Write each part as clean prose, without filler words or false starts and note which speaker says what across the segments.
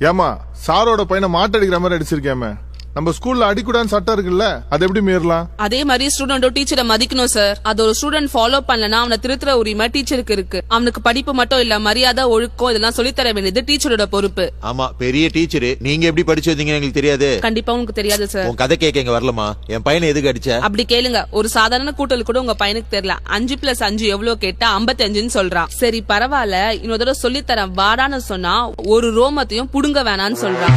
Speaker 1: ஏமா சாரோட பையனை மாட்டடிக்கிற மாதிரி அடிச்சிருக்கேமே, நம்ம ஸ்கூல்ல அடிக்கூடான்னு சட்டம் இருக்குல்ல, அது எப்படி மீறலாம்?
Speaker 2: அதே மாதிரி ஸ்டூடெண்டோ டீச்சரை மதிக்கணும் சார். அது ஒரு ஸ்டூடெண்ட் ஃபாலோ பண்ணலனா அவனை திருத்துற உரிமை டீச்சருக்கு இருக்கு. அவனுக்கு படிப்பு மட்டும் இல்ல, மரியாதை, ஒழுக்கம் இதெல்லாம் சொல்லித்தர வேண்டியது டீச்சரோட பொறுப்பு.
Speaker 3: ஆமா, பெரிய டீச்சர். நீங்க எப்படி படிச்சு வந்தீங்கன்னு எங்களுக்கு தெரியாது.
Speaker 2: கண்டிப்பா உங்களுக்கு தெரியாது சார்.
Speaker 3: உன் கதை கேட்க இங்க வரலமா? என் பையனை எதுக்கு அடிச்ச?
Speaker 2: அப்படி கேளுங்க. ஒரு சாதாரண கூட்டல் கூட உங்க பையனுக்கு தெரியல. 5+5 எவ்வளவு கேட்டா 55ன்னு சொல்றான். சரி பரவாயில்ல, இன்னொரு தடவை சொல்லித்தரேன் வாடான்னு சொன்னா ஒரு ரோமத்தையும் புடுங்க வேணான்னு சொல்றான்.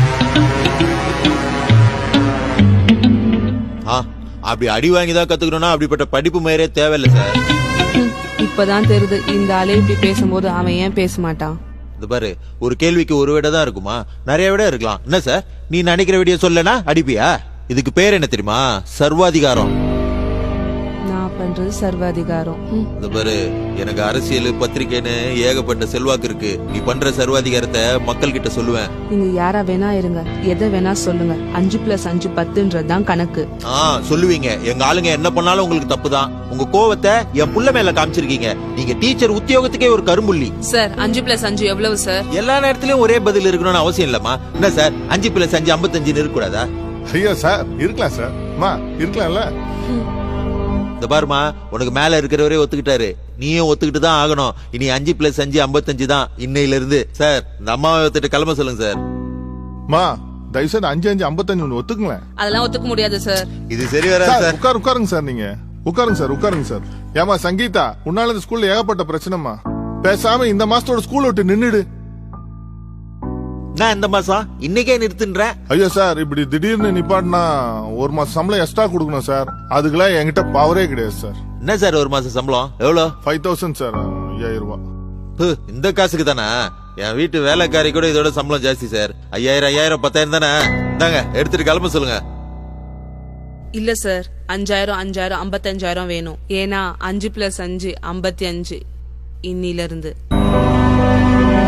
Speaker 3: அப்படி அடி வாங்கிதான் கத்துக்கணும்னா அப்படிப்பட்ட படிப்பு முறையே தேவையில்லை சார்.
Speaker 2: இப்பதான் தெரியுது இந்த ஆளே இப்படி பேசும்போது அவன் ஏன் பேச மாட்டான்.
Speaker 3: இது பாரு, ஒரு கேள்விக்கு ஒரு விட தான் இருக்குமா? நிறைய விட இருக்கலாம். என்ன சார், நீ நினைக்கிற விடிய சொல்லனா அடிப்பியா? இதுக்கு பேர் என்ன தெரியுமா? சர்வாதிகாரம்.
Speaker 2: நான் பண்றது சர்வாதிகாரம்.
Speaker 3: இது பாரு, எனக்கு அரசியல் பத்திரிக்கைன்னு ஏகப்பட்ட செல்வாக்கு இருக்கு. நீ பண்ற சர்வாதிகாரத்தை மக்கள் கிட்ட சொல்லுவேன்.
Speaker 2: நீங்க யாரா வேணா இருங்க, எதை வேணா சொல்லுங்க. 5+5 10ன்றதுதான் கணக்கு.
Speaker 3: சொல்லுவீங்க. எங்க ஆளுங்க என்ன பண்ணாலும் உங்களுக்கு தப்பு தான். உங்க கோவத்தை என் புள்ள மேல காமிச்சிருக்கீங்க. நீங்க டீச்சர் உத்தியோகத்துக்கே ஒரு கரும்புள்ளி
Speaker 2: சார். 5+5 எவ்வளவு சார்?
Speaker 3: எல்லா நேரத்திலயும் ஒரே பதில் இருக்கணும்னு அவசியம் இல்லம்மா. என்ன சார், 5+5 55 இருக்க கூடாதா?
Speaker 1: ஐயோ சார், இருக்கலாம் சார். இருக்கலாம்ல.
Speaker 3: இந்த பாருமா, உனக்கு மேல இருக்கிறவரே ஒத்துக்கிட்டாரு, நீயும் ஒத்துக்கிட்டு தான் ஆகணும். இனி 5+5 55 தான் இன்னையில இருந்து. சார், இந்த அம்மாவை ஒத்துட்டு கிளம்ப சொல்லுங்க சார்.
Speaker 1: தயவுசெய்து 5 55 ஒத்துக்குங்களேன்.
Speaker 2: அதெல்லாம் ஒத்துக்க முடியாது சார்.
Speaker 3: இது சரி வராது சார்.
Speaker 1: உட்காருங்க சார். நீங்க உட்காருங்க சார். ஏமா சங்கீதா, உன்னால இந்த ஸ்கூல்ல ஏகப்பட்ட பிரச்சனைமா. பேசாம இந்த மாசத்தோட ஸ்கூல் விட்டு நின்னுடு.
Speaker 3: நான் இந்த மாசம் இன்னைக்கே நிறுத்துன்றேன்.
Speaker 1: ஐயோ சார், இப்படி திடீர்னு நிப்பாட்டினா ஒரு மாசம் சம்பளம் எக்ஸ்ட்ரா கொடுக்கணும் சார். அதுக்கெல்லாம் என்கிட்ட பவரே கிடையாது சார்.
Speaker 3: என்ன சார் ஒரு மாசம் சம்பளம் எவ்வளவு?
Speaker 1: 5000 சார். 5000 ரூபாய்.
Speaker 3: இந்த காசுக்கு தானே? என் வீட்டு வேலைக்காரி கூட இதோட சம்பளம் ஜாஸ்தி சார். 5000 10,000 தானே? இந்தாங்க, எடுத்துட்டு கிளம்ப சொல்லுங்க.
Speaker 2: இல்ல சார், 5000 55,000 வேணும். ஏன்னா 5+5 55 இன்னில இருந்து.